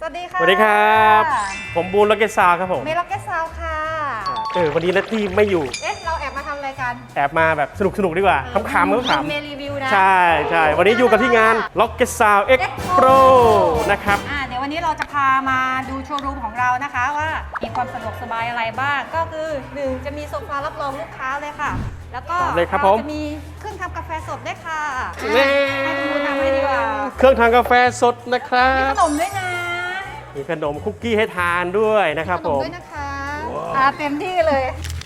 สวัสดีค่ะสวัสดีครับผมบูนล็อกเก็ตซาวครับผมเมย์ล็อกเก็ตซาวค่ะวันนี้นัตตี้ไม่อยู่เราแอบมาทำอะไรกันแอบมาแบบสนุกดีกว่าขำๆก็ขำเมย์รีวิวนะใช่วันนี้อยู่กับที่งาน Rocket Sound X Pro นะครับเดี๋ยววันนี้เราจะพามาดูโชว์รูมของเรานะคะว่ามีความสะดวกสบายอะไรบ้างก็คือ1จะมีโซฟารับรองลูกค้าเลยค่ะแล้วก็เราจะมีเครื่องทำกาแฟสดด้วยค่ะให้คุณทำให้ดีกว่าเครื่องทำกาแฟสดนะครัมีบขนมด้วยนะมีขนมคุกกี้ให้ทานด้วยนะครับผมด้วยนะคะเต็มที่เลย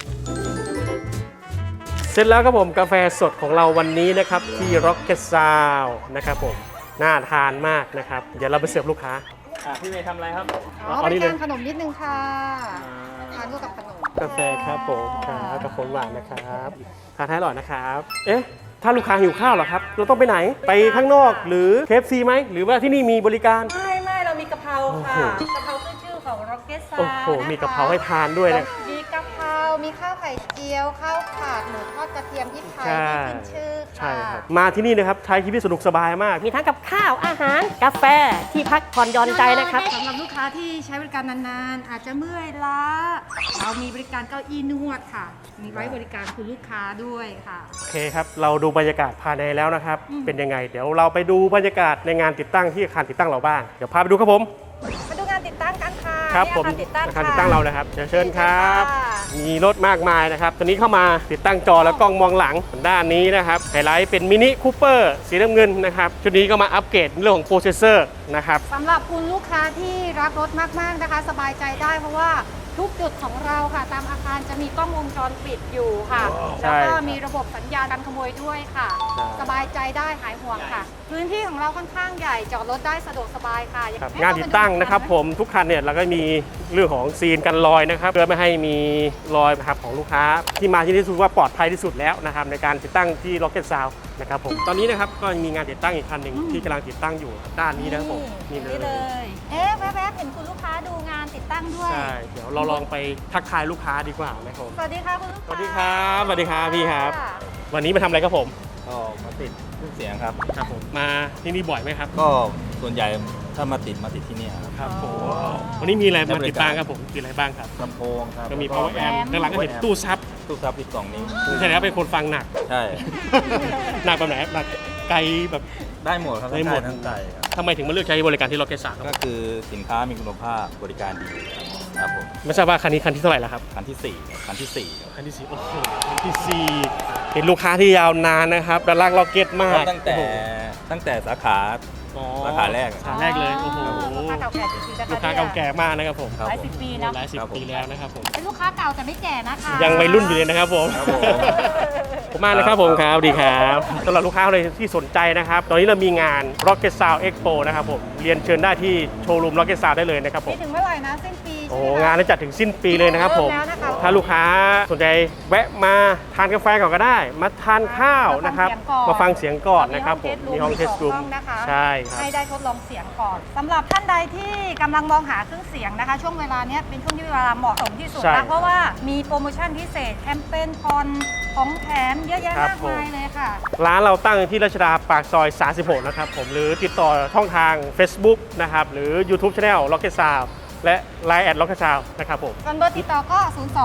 เสร็จแล้วครับผมกาแฟสดของเราวันนี้นะครับที่ Rocket Sound นะครับผมน่าทานมากนะครับเดี๋ยวเราไปเสิร์ฟลูกค้าพี่เมย์ทำอะไรครับบริการขนมนิดนึงค่ะทานคู่กับขนมกาแฟครับผมครับกาแฟหวานนะครับทานให้อร่อยนะครับถ้าลูกค้าหิวข้าวเหรอครับเราต้องไปไหนไปข้างนอกหรือ KFC ไหมหรือว่าที่นี่มีบริการไม่เรามีกะเพราค่ะกะเพราขึ้นชื่อของ Rocket Sound โอ้โหมีกะเพราให้ทานด้วยนะมีกะเพรามีข้าวไข่เจียวข้าวผัดหมูทอดกระเทียมพริกไทยที่ขึ้นชื่อค่ะใช่ครับมาที่นี่นะครับใช้ชีวิตสนุกสบายมากมีทั้งกับข้าวอาหารกาแฟที่พักผ่อนหย่อนใจนะครับสำหรับลูกค้าที่ใช้บริการนานๆอาจจะเมื่อยล้าเรามีบริการเก้าอี้นวดค่ะมีไว้บริการคุณลูกค้าด้วยค่ะโอเคครับเราดูบรรยากาศภายในแล้วนะครับเป็นยังไงเดี๋ยวเราไปดูบรรยากาศในงานติดตั้งที่อาคารติดตั้งเราบ้างเดี๋ยวพาไปดูครับผมมาดูงานติดตั้งกันค่ะครับผมอาคารติดตั้งเรานะครับเชิญครับมีรถมากมายนะครับตอนนี้เข้ามาติดตั้งจอและกล้องมองหลังด้านนี้นะครับไฮไลท์เป็นมินิคูเปอร์สีน้ำเงินนะครับชุดนี้ก็มาอัปเกรดเรื่องของโปรเซสเซอร์นะครับสำหรับคุณลูกค้าที่รักรถมากๆนะคะสบายใจได้เพราะว่าทุกจุดของเราค่ะตามอาคารจะมีกล้องวงจรปิดอยู่ค่ะแล้วก็มีระบบสัญญาณการขโมยด้วยค่ะสบายใจได้หายห่วงค่ะพื้นที่ของเราค่อนข้างใหญ่จอดรถได้สะดวกสบายค่ะงานติดตั้งนะครับผมทุกคันเนี่ยเราก็มีเรื่องของซีนกันรอยนะครับเพื่อไม่ให้มีรอยนะครับของลูกค้าที่มาที่นี่ถือว่าปลอดภัยที่สุดแล้วนะครับในการติดตั้งที่ Rocket Sound นะครับผมตอนนี้นะครับก็มีงานติดตั้งอีกคันหนึ่งที่กำลังติดตั้งอยู่ด้านนี้นะครับผมนี่เลยแวบๆเห็นคุณลูกค้าดูงานติดตั้งด้วยใช่เดี๋ยวเราลองไปทักทายลูกค้าดีกว่านะครับสวัสดีค่ะคุณลูกค้าสวัสดีครับสวัสดีครับพี่ครับวันนี้มาทำอะไรครับผมก็มาติดเครื่องเสียงครับครับผมมาที่นี่บ่อยไหมครับก็ส่วนใหญ่ถ้ามาติดที่นี่ครับผมวันนี้มีอะไรมาติดตั้งครับผมมีอะไรบ้างครับลำโพงครับก็มี power amp ด้านหลังก็เห็นตู้ซับอีก2 นิ้วใช่แล้วเป็นคนฟังหนักใช่หนักแบบไหนหนักไกลแบบได้หมดครับได้หมดทั้งใจทำไมถึงมาเลือกใช้บริการที่ Rocket Sound ก็คือสินค้ามีคุณภาพบริการดีครับผมไม่ทราบว่าคันนี้คันที่เท่าไหร่แล้วครับคันที่4คันที่ 4โอ้โหคันที่4เป็นลูกค้าที่ยาวนานนะครับและรัก Rocket มากตั้งแต่สาขาแรกเลยโอ้โหลูกค้าเก่าแก่จริงๆนะคะลูกค้าเก่าแก่มากนะครับผมหลายสิบปีนะหลายสิบปีแล้วนะครับผมเป็นลูกค้าเก่าแต่ไม่แก่นะคะยังวัยรุ่นอยู่เลยนะครับผมผมมากนะครับผมครับดีครับสำหรับลูกค้าเลยที่สนใจนะครับตอนนี้เรามีงาน Rocket Sound Expo นะครับผมเรียนเชิญได้ที่โชว์รูม Rocket Sound ได้เลยนะครับผมถึงเมื่อไหร่นะสิ้นปีโอ้งานจะจัดถึงสิ้นปีเลยนะครับผมถ้าลูกค้าสนใจแวะมาทานกาแฟก่อนก็ได้มาทานข้าวนะครับมาฟังเสียงก่อนนะครับผมมีห้องเทสรูมใช่ครับให้ได้ทดลองเสียงก่อนสำหรับท่านใดที่กำลังมองหาเครื่องเสียงนะคะช่วงเวลานี้เป็นช่วงที่เวลาเหมาะสมที่สุดนะเพราะว่ามีโปรโมชั่นพิเศษแคมเปญผ่อนของแถมเยอะแยะมากมายเลยค่ะร้านเราตั้งที่รัชดาปากซอย36นะครับผมหรือติดต่อช่องทาง Facebook นะครับหรือ YouTube Channel Rocket Sound และ Line @Rocket Sound นะครับผมเบอร์ติดต่อก็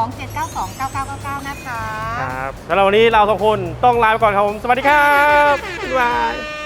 027929999 นะคะครับแล้ววันนี้เรา2คนต้องลาไปก่อนครับผมสวัสดีครับบ๊ายบาย